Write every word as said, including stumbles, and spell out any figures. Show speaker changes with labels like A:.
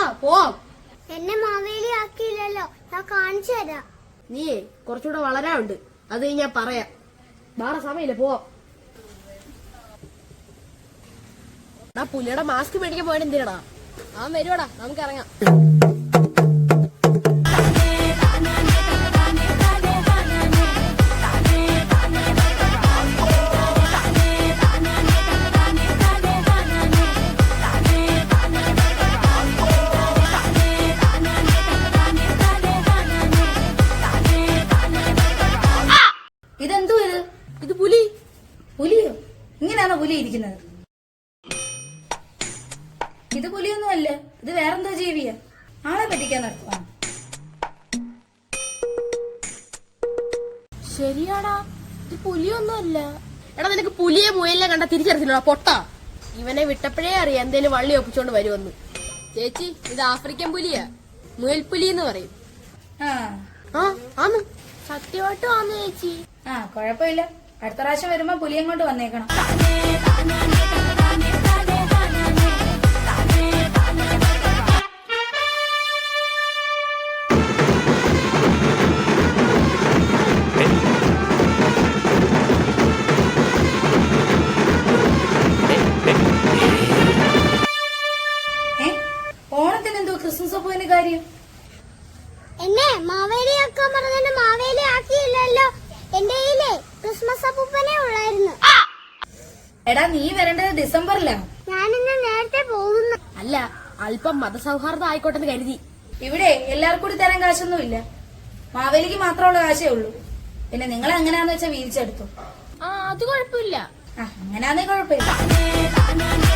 A: പോവാം.
B: എന്നെ മാവേലി ആക്കിയില്ലല്ലോ, ഞാൻ കാണിച്ചു തരാം.
A: നീ കുറച്ചുകൂടെ വളരാനുണ്ട്, അത് ഞാൻ പറയാം. വേറെ സമയമില്ല, പോവാം. എടാ പുലിയുടെ മാസ്ക് മേടിക്കാൻ പോയിട്ട് എന്തിനാടാ? അവൻ വരുവാടാ, നമുക്ക് ഇറങ്ങാം.
C: ഇതെന്തോ ഇത്?
A: ഇത് പുലി.
C: പുലിയോ? ഇങ്ങനെയാണോ പുലി ഇരിക്കുന്നത്? ഇത് പുലിയൊന്നും അല്ല, ഇത് വേറെന്തോ ജീവിയാ. ആളെ പറ്റിക്കാൻ നടത്തുവാ.
A: ശരിയാടാ, ഇത് പുലിയൊന്നും അല്ല. എടാ നിനക്ക് പുലിയെ മുയലിനെ കണ്ട തിരിച്ചറിഞ്ഞില്ലടാ പൊട്ട. ഇവനെ വിട്ടപ്പോഴേ അറിയാം എന്തേലും വള്ളി ഒപ്പിച്ചോണ്ട് വരുമെന്ന്. ചേച്ചി, ഇത് ആഫ്രിക്കൻ പുലിയാ, മുയൽപുലി എന്ന് പറയും.
C: ആ
A: ആ ആന്ന്, സത്യമായിട്ടും ആന്ന് ചേച്ചി.
C: ആ കൊഴപ്പില്ല, അടുത്ത പ്രാവശ്യം വരുമ്പോ പുലിയും കൊണ്ട് വന്നേക്കണം. ഓണത്തിന് എന്തോ ക്രിസ്മസ് ഒപ്പുവിന് കാര്യം?
B: എന്നെ മാവേലി ആക്കാൻ പറഞ്ഞ മാവേലി ആക്കിയില്ലല്ലോ. എന്റെ കയ്യിലെ ക്രിസ്മസ് അപ്പൂപ്പനെ ഉള്ളായിരുന്നു.
C: എടാ നീ വരേണ്ടത് ഡിസംബറിലാ.
B: ഞാനിന്ന് നേരത്തെ പോകുന്നു.
A: അല്ല, അല്പം മതസൗഹാർദ്ദം ആയിക്കോട്ടെന്ന് കരുതി.
C: ഇവിടെ എല്ലാവർക്കും കൂടി തരാൻ കാശൊന്നും ഇല്ല, മാവേലിക്ക് മാത്രമുള്ള കാശേ ഉള്ളൂ. പിന്നെ നിങ്ങൾ എങ്ങനെയാന്ന് വെച്ചാൽ വീതിച്ചെടുത്തു.
A: ആ അത് കുഴപ്പമില്ല.
C: ആ അങ്ങനെയാന്നേ കുഴപ്പമില്ല.